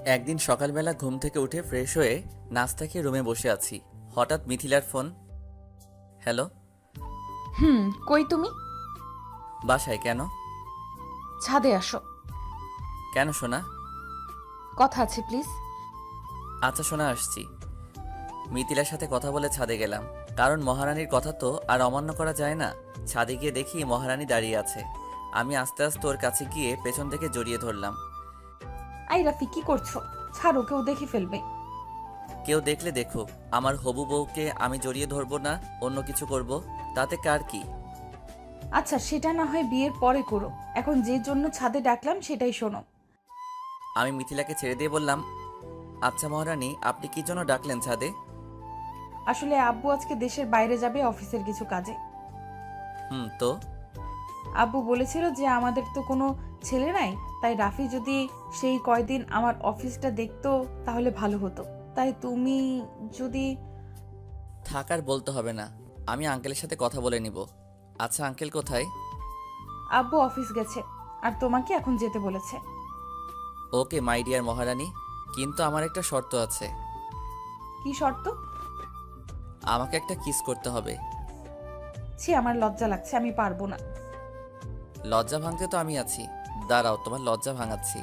একদিন সকালবেলা ঘুম থেকে উঠে ফ্রেশ হয়ে নাস্তা খেয়ে রুমে বসে আছি। হঠাৎ মিথিলার ফোন। হ্যালো। কই তুমি? বাসায়। কেন? ছাদে আসো, কেন সোনা? কথা আছে প্লিজ। আচ্ছা সোনা, আসছি। মিথিলার সাথে কথা বলে ছাদে গেলাম, কারণ মহারানীর কথা তো আর অমান্য করা যায় না। ছাদে গিয়ে দেখি মহারানী দাঁড়িয়ে আছে। আমি আস্তে আস্তে ওর কাছে গিয়ে পেছন থেকে জড়িয়ে ধরলাম। আই রাফি, কি করছো? ছাড়ো, কেউ দেখে ফেলবে। কেউ দেখলে দেখুক, আমার হবু বউকে আমি জড়িয়ে ধরবো না, অন্য কিছু করব, তাতে কার কি? আচ্ছা, সেটা না হয় বিয়ের পরে করো, এখন যে জন্য ছাদে ডাকলাম সেটাই শোনো। আমি মিথিলাকে ছেড়ে দিয়ে বললাম, আচ্ছা মহারানী, আপনি কি জন্য ডাকলেন ছাদে? আসলে আব্বু আজকে দেশের বাইরে যাবে অফিসের কিছু কাজে। তো আব্বু বলেছিল যে আমাদের তো কোনো ছেলে নাই, তাই রাফি যদি সেই কয়দিন আমার অফিসটা দেখতো তাহলে ভালো হতো। তাই তুমি যদি... থাকার বলতে হবে না, আমি আঙ্কেলের সাথে কথা বলে নিব। আচ্ছা আঙ্কেল কোথায়? আব্বু অফিস গেছে, আর তোমাকে এখন যেতে বলেছে। ওকে মাই ডিয়ার মহারানী, কিন্তু আমার একটা শর্ত আছে। কি শর্ত? আমাকে একটা কিস করতে হবে। ছি, আমার লজ্জা লাগছে, আমি পারবো না। লজ্জা ভাঙতে তো আমি আছি, দাঁড়াও তোমার লজ্জা ভাঙাচ্ছি।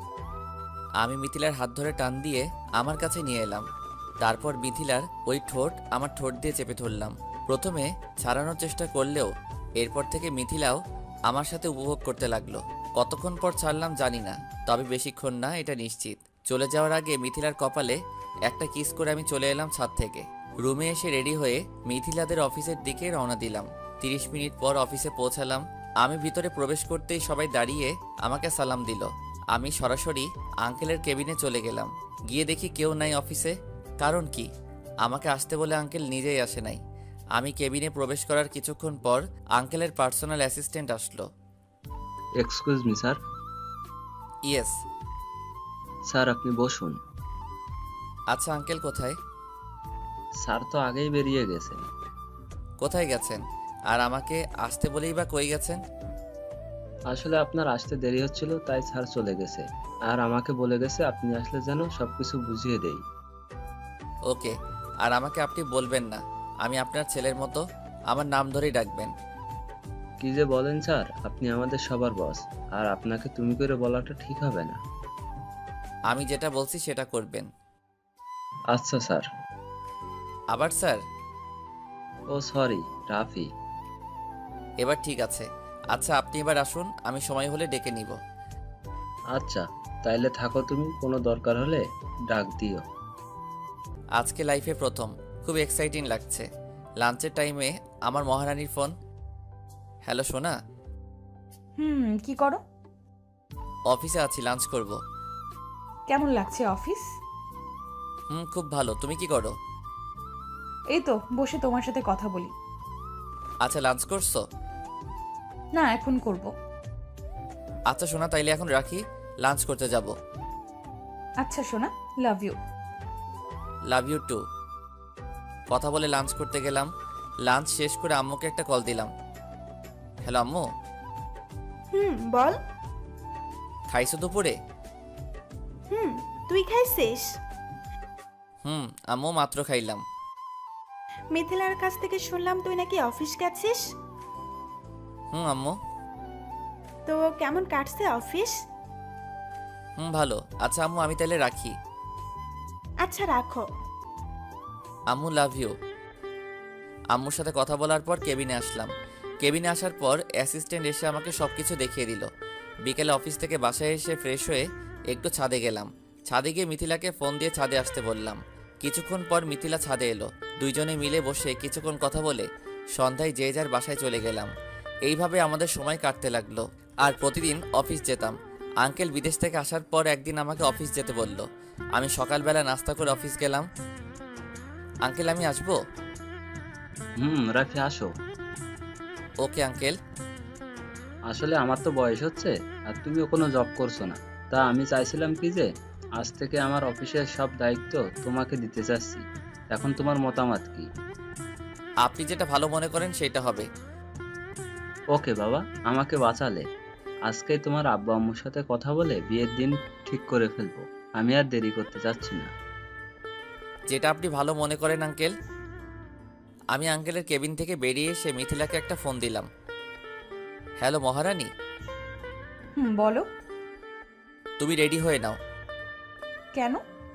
আমি মিথিলার হাত ধরে টান দিয়ে আমার কাছে নিয়ে এলাম। তারপর মিথিলার ওই ঠোঁট আমার ঠোঁট দিয়ে চেপে ধরলাম। প্রথমে ছাড়ানোর চেষ্টা করলেও এরপর থেকে মিথিলাও আমার সাথে উপভোগ করতে লাগলো। কতক্ষণ পর ছাড়লাম জানি না, তবে বেশিক্ষণ না এটা নিশ্চিত। চলে যাওয়ার আগে মিথিলার কপালে একটা কিস করে আমি চলে এলাম ছাদ থেকে। রুমে এসে রেডি হয়ে মিথিলাদের অফিসের দিকে রওনা দিলাম। 30 মিনিট পর অফিসে পৌঁছালাম। আমি ভিতরে প্রবেশ করতেই সবাই দাঁড়িয়ে আমাকে সালাম দিল। আমি সরাসরি আঙ্কেলের কেবিনে চলে গেলাম। গিয়ে দেখি কেউ নাই অফিসে। কারণ কি? আমাকে আসতে বলে আঙ্কেল নিজেই আসে নাই। আমি কেবিনে প্রবেশ করার কিছুক্ষণ পর আঙ্কেলের পার্সোনাল অ্যাসিস্ট্যান্ট আসলো। Excuse me sir. Yes. Sir আপনি বসুন। আচ্ছা আঙ্কেল কোথায়? স্যার তো আগেই বেরিয়ে গেছেন। কোথায় গেছেন? আর আমাকে আসতে বলেই বা কই গেছেন? আসলে আপনার আসতে দেরি হচ্ছিল, তাই স্যার চলে গেছে। আর আমাকে বলে গেছে আপনি আসলে যেন সবকিছু বুঝিয়ে দেই। ওকে। আর আমাকে আপনি বলবেন না, আমি আপনার ছেলের মতো, আমার নাম ধরেই ডাকবেন। কি যে বলেন স্যার, আপনি আমাদের সবার বস, আর আপনাকে তুমি করে বলাটা ঠিক হবে না। আমি যেটা বলছি সেটা করবেন। আচ্ছা স্যার। আবার স্যার? ও সরি, রাফি। এবার ঠিক আছে। আচ্ছা আপনি এবার আসুন, আমি সময় হলে ডেকে নিব। আচ্ছা, তাইলে থাকো তুমি, কোনো দরকার হলে ডাক দিও। আজকে লাইফে প্রথম, খুব এক্সাইটিং লাগছে। লাঞ্চের টাইমে আমার মহারানীর ফোন। হ্যালো সোনা। কি করো? অফিসে আছি, লাঞ্চ করব। কেমন লাগছে অফিস? খুব ভালো। তুমি কি করো? এই তো বসে তোমার সাথে কথা বলি। আচ্ছা লাঞ্চ করছো? না, এখন করব। আচ্ছা সোনা, তাইলে এখন রাখি, লাঞ্চ করতে যাব। আচ্ছা সোনা, love you. Love you too. কথা বলে লাঞ্চ করতে গেলাম। লাঞ্চ শেষ করে আম্মুকে একটা কল দিলাম। হ্যালো আম্মু। বল। খাইছো দুপুরে? তুই খাইছিস? আম্মু মাত্র খাইলাম। মিথিলার কাছ থেকে শুনলাম তুই নাকি অফিস গেছিস। আম্মু। তো কেমন কাটছে অফিস? ভালো। আচ্ছা আম্মু, আমি তাহলে রাখি। আচ্ছা রাখো। আম্মু লাভ ইউ। আম্মুর সাথে কথা বলার পর কেবিনে আসলাম। কেবিনে আসার পর অ্যাসিস্ট্যান্ট এসে আমাকে সবকিছু দেখিয়ে দিল। বিকেলে অফিস থেকে বাসায় এসে ফ্রেশ হয়ে একটু ছাদে গেলাম। ছাদে গিয়ে মিথিলাকে ফোন দিয়ে ছাদে আসতে বললাম। কিছুক্ষণ পর মিথিলা ছাদে এলো। দুইজনে মিলে বসে কিছুক্ষণ কথা বলে সন্ধ্যায় যে যার বাসায় চলে গেলাম। এইভাবে আমাদের সময় কাটতে লাগলো। আর প্রতিদিন অফিস যেতাম। আঙ্কেল বিদেশ থেকে আসার পর একদিন আমাকে অফিস যেতে বলল। আমি সকালবেলা নাস্তা করে অফিস গেলাম। আঙ্কেল আমি আসবো? রাফি আসো। Okay uncle. আসলে আমার তো বয়স হচ্ছে, আর তুমিও কোনো জব করছো না। তা আমি চাইছিলাম কি যে আজ থেকে আমার অফিসের সব দায়িত্ব তোমাকে দিতে চাচ্ছি। এখন তোমার মতামত কি? আপনি যেটা ভালো মনে করেন সেটা হবে। ওকে বাবা, আমাকে বাঁচালে। আজকেই তোমার আব্বু আম্মুর সাথে কথা বলে বিয়ের দিন ঠিক করে ফেলবো। আমি আর দেরি করতে চাচ্ছি না। যেটা আপনি ভালো মনে করেন আঙ্কেল। আমি আঙ্কেলের কেবিন থেকে বেরিয়ে এসে মিথিলাকে একটা ফোন দিলাম। হ্যালো মহারানী, বলো। তুমি রেডি হয়ে নাও। কেন?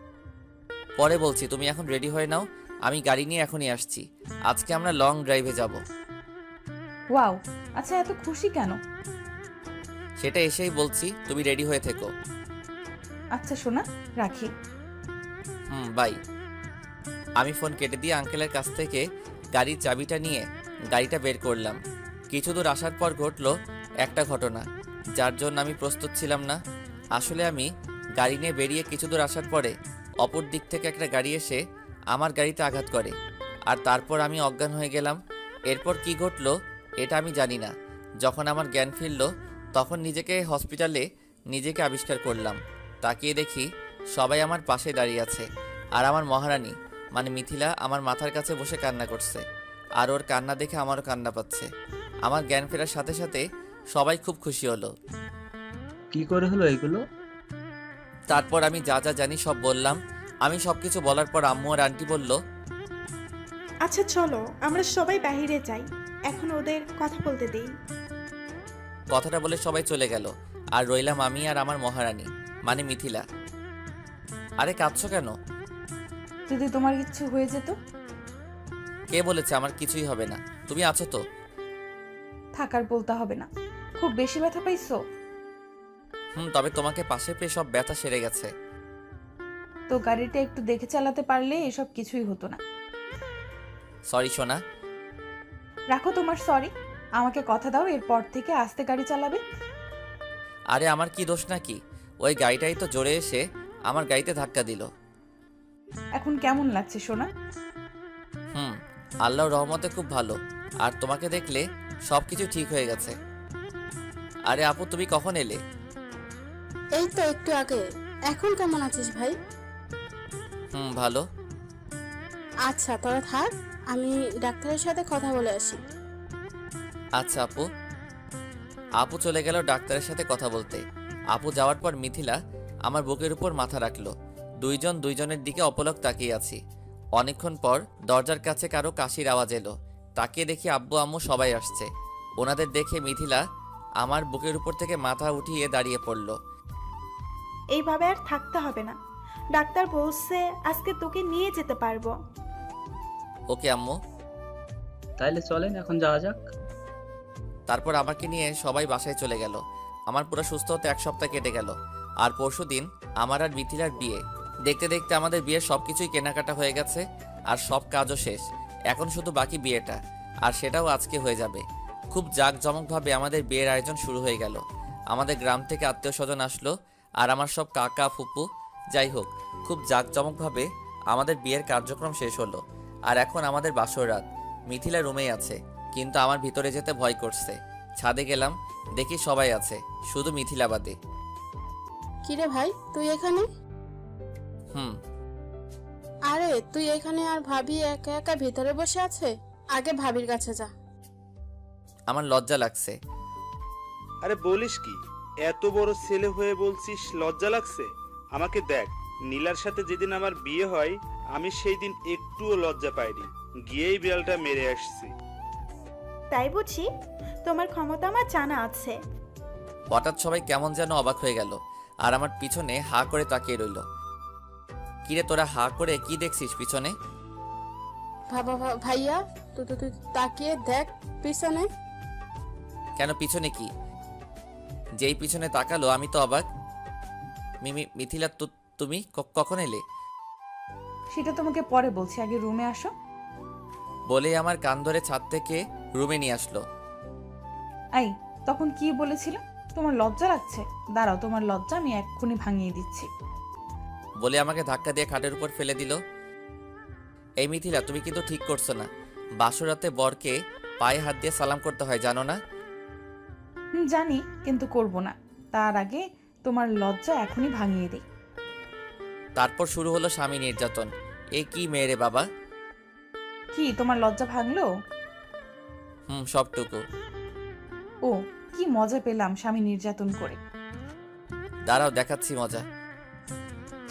পরে বলছি, তুমি এখন রেডি হয়ে নাও। আমি গাড়ি নিয়ে এখনই আসছি। আজকে আমরা লং ড্রাইভে যাব। ওয়াও, আচ্ছা এত খুশি কেন? সেটা এসেই বলছি, তুমি রেডি হয়ে থেকো। আচ্ছা সোনা, রাখি। বাই। আমি ফোন কেটে দিয়ে আঙ্কেলের কাছ থেকে গাড়ির চাবিটা নিয়ে গাড়িটা বের করলাম। কিছু দূর আসার পর ঘটলো একটা ঘটনা, যার জন্য আমি প্রস্তুত ছিলাম না। আসলে আমি গাড়ি নিয়ে বেরিয়ে কিছু দূর আসার পরে অপর দিক থেকে একটা গাড়ি এসে আমার গাড়িতে আঘাত করে, আর তারপর আমি অজ্ঞান হয়ে গেলাম। এরপর কি ঘটলো এটা আমি জানি না। যখন আমার জ্ঞান ফিরল, তখন নিজেকে হসপিটালে নিজেকে আবিষ্কার করলাম। তাকিয়ে দেখি সবাই আমার পাশে দাঁড়িয়ে আছে, আর আমার মহারানী মানে মিথিলা আমার মাথার কাছে বসে কান্না করছে। আর ওর কান্না দেখে আমারও কান্না পাচ্ছে। আমার জ্ঞান ফেরার সাথে সাথে সবাই খুব খুশি হলো। কি করে হলো এগুলো? তারপর আমি যা যা জানি সব বললাম। আমি সব কিছু বলার পর আম্মু আর আন্টি বলল, আচ্ছা চলো আমরা সবাই বাইরে যাই, এখন ওদের কথা বলতে দেই। কথাটা বলে সবাই চলে গেল, আর রইলাম আমি আর আমার মহারানী মানে মিথিলা। আরে কাঁদছো কেন? যদি তোমার কিচ্ছু হয়ে যেত? কে বলেছে আমার কিছুই হবে না? তুমি আছো তো? থাকার বলতে হবে না। খুব বেশি ব্যথা পাইছো? তবে তোমাকে পাশে পেয়ে সব ব্যথা সেরে গেছে। তো গাড়িটা একটু দেখে চালাতে পারলে এসব কিছুই হতো না। সরি সোনা। রাখো তোমার সরি, আমাকে কথা দাও এরপর থেকে আস্তে গাড়ি চালাবে। আরে আমার কি দোষ নাকি? ওই গাড়িটাই তো জোরে এসে আমার গাড়িতে ধাক্কা দিল। এখন কেমন লাগছে সোনা? আল্লাহর রহমতে খুব ভালো। আর তোমাকে দেখলে সব কিছু ঠিক হয়ে গেছে। আরে আপু, তুমি কখন এলে? এই তো একটু আগে। এখন কেমন আছিস ভাই? ভালো। আচ্ছা তোরা থাক, আমি ডাক্তারের সাথে কথা বলে আসি। আচ্ছা আপু। আপু চলে গেল ডাক্তারের সাথে কথা বলতে। আপু যাওয়ার পর মিথিলা আমার বুকের উপর মাথা রাখলো। দুইজন দুইজনের দিকে অপলক তাকিয়ে আছি। অনেকক্ষণ পর দরজার কাছে কারো কাশির আওয়াজ এলো। তাকিয়ে দেখি আব্বু আম্মু সবাই আসছে। ওনাদের দেখে মিথিলা আমার বুকের উপর থেকে মাথা উঠিয়ে দাঁড়িয়ে পড়ল। এইভাবে আর থাকতে হবে না, ডাক্তার বলছে আজকে তোকে নিয়ে যেতে পারবো। ওকে আম্মু। তাইলে চলেন এখন যাওয়া যাক। তারপর আমাকে নিয়ে সবাই বাসায় চলে গেল। আমার পুরো সুস্থ হতে এক সপ্তাহ কেটে গেল। আর পরশুদিন আমার আর মিথিলার বিয়ে। দেখতে দেখতে আমাদের বিয়ের সবকিছুই কেনাকাটা হয়ে গেছে, আর সব কাজও শেষ। এখন শুধু বাকি বিয়েটা, আর সেটাও আজকে হয়ে যাবে। খুব জাঁকজমকভাবে আমাদের বিয়ের আয়োজন শুরু হয়ে গেল। আমাদের গ্রাম থেকে আত্মীয় স্বজন আসলো, আর আমার সব কাকা ফুপু। যাই হোক, খুব জাঁকজমকভাবে আমাদের বিয়ের কার্যক্রম শেষ হলো। আর এখন আমাদের বাসর রাত। মিথিলা রুমেই আছে, কিন্তু আমার ভিতরে যেতে ভয় করছে। ছাদে গেলাম, দেখি সবাই আছে, শুধু মিথিলা বাদে। কিরে ভাই তুই এখানে? হুম। আরে তুই এখানে আর ভাবি একা একা ভিতরে বসে আছে? আগে ভাবির কাছে যা। আমার লজ্জা লাগছে। আরে বলিস কি, এত বড় ছেলে হয়ে বলছিস লজ্জা লাগছে? আমাকে দেখ, নীলার সাথে যেদিন আমার বিয়ে হয় আমি সেই দিন একটুও লজ্জা পাইনি, গিয়েই বিড়ালটা মেরে আসছি। তাই বুঝি? তোমার ক্ষমতা আমার জানা আছে। হঠাৎ সবাই কেমন যেন অবাক হয়ে গেল, আর আমার পিছনে হা করে তাকিয়ে রইল। কিরে তোরা হা করে কি দেখছিস পিছনে? ভাইয়া তুই তাকিয়ে দেখ পিছনে। কেন পিছনে কি? যেই পিছনে তাকালো আমি তো অবাক। মিথিলা, তুমি কখন এলে? সেটা তোমাকে পরে বলছি, আগে রুমে আসো। বলেই আমার কান ধরে ছাদ থেকে রুমে নিয়ে আসলো। এই, তখন কি বলেছিল? তোমার লজ্জা লাগছে? দাঁড়াও, তোমার লজ্জা আমি এক্ষুনি ভাঙিয়ে দিচ্ছি। বলে আমাকে ধাক্কা দিয়ে খাটের উপর ফেলে দিল। এই মিথিলা, তুমি কিন্তু ঠিক করছো না। বাসরাতে বরকে পায়ে হাত দিয়ে সালাম করতে হয়, জানো না? জানি, কিন্তু করব না। তার আগে তোমার লজ্জা এখনই ভাঙিয়ে দিই। তারপর শুরু হলো স্বামী নির্যাতন। এ কি মেয়ে রে বাবা! কি তোমার লজ্জা ভাঙলো? সবটুকু। ও, কি মজা পেলাম স্বামী নির্যাতন করে। দাঁড়াও দেখাচ্ছি মজা।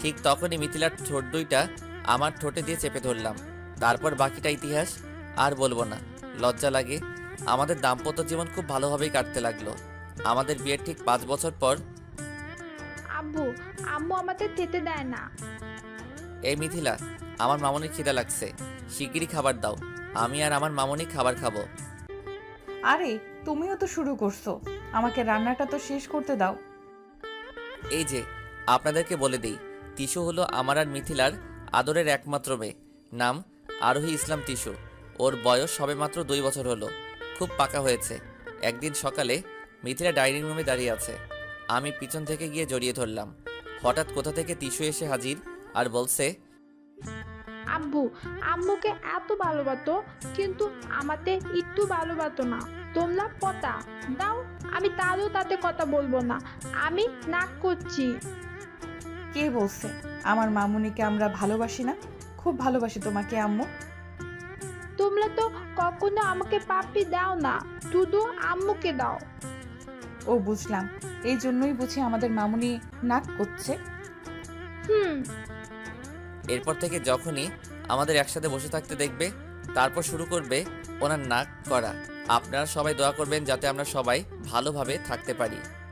ঠিক তখনই মিথিলার ঠোঁট দুইটা আমার ঠোঁটে দিয়ে চেপে ধরলাম। তারপর বাকিটা ইতিহাস, আর বলবো না, লজ্জা লাগে। আমাদের দাম্পত্য জীবন খুব ভালোভাবেই কাটতে লাগলো। আমাদের বিয়ের ঠিক 5 বছর পর আব্বু, আম্মু আমাদের যেতে দেয় না। এই মিথিলা, আমার মামনির খিদা লাগছে, শিগগিরই খাবার দাও। আমি আর আমার মামনি খাবার খাবো। আরে তুমিও তো শুরু করছো, আমাকে রান্নাটা তো শেষ করতে দাও। এই যে, আপনাদেরকে বলে দিই, তিশু হলো আমার আর মিথিলার আদরের একমাত্র মেয়ে। নাম আরোহী ইসলাম তিশু। ওর বয়স সবেমাত্র 2 বছর হলো, খুব পাকা হয়েছে। একদিন সকালে মিথিলা ডাইনিং রুমে দাঁড়িয়ে আছে, আমি পিছন থেকে গিয়ে জড়িয়ে ধরলাম। হঠাৎ কোথা থেকে তিশু এসে হাজির আর বলছে, আব্বু, আম্মুকে এত ভালোবাসতো কিন্তু আমাদের একটু ভালোবাসতো না। তোমরা পতা দাও, আমি তারও তাতে কথা বলবো না, আমি নাক করছি। কে বলছে আমার মামুনিকে আমরা ভালোবাসি না? খুব ভালোবাসি তোমাকে আম্মু। তোমরা তো কখনো আমাকে পাপ্পি দাও না, শুধু আম্মুকে দাও। ও বুঝলাম, এই জন্যই বুঝি আমাদের মামুনি নাক করছে। হুম। এরপর থেকে যখনই আমাদের একসাথে বসে থাকতে দেখবে, তারপর শুরু করবে ওনার নাক করা। আপনারা সবাই দোয়া করবেন যাতে আমরা সবাই ভালোভাবে থাকতে পারি।